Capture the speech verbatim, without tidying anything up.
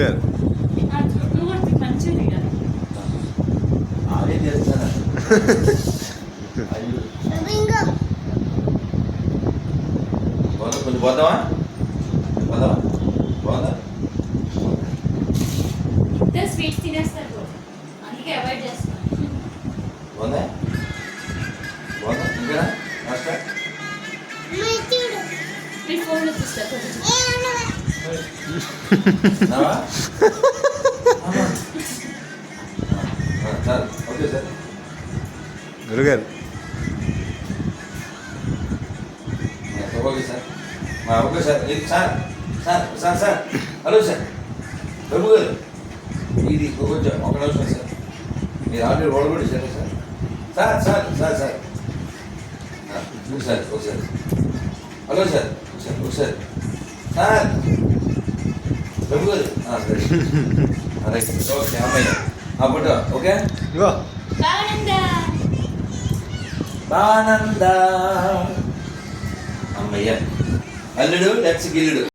గురుగారు ఆడే చేస్తాను కొంచెం పోతావా పోదావా పోదా స్వీట్స్ తినేస్తారు అందుకే అవాయిడ్ చేస్తాను పోదా పోదా ఇంకా మాస్టర్ నేను ఫోన్ వచ్చేస్తా నావా సార్ ఓకే సార్ గురుగారు ఓకే సార్ ఓకే సార్ ఇది sir sir sir sir hello sir Prabhu garu ఇది కొంచెం ఒక నిమిషం సార్ మీరు ఆల్రెడీ ఓడగొట్టి sir sir sir sir sir sir ఒకసారి ఒకసారి హలో సార్ ఒకసారి ఒకసారి సార్ ప్రభు గారు రైట్ ఓకే అమ్మాయి ఆ ఫోటో ఓకే ఇంకో బానంద అమ్మయ్య అల్లుడు లెట్స్ గిల్లుడు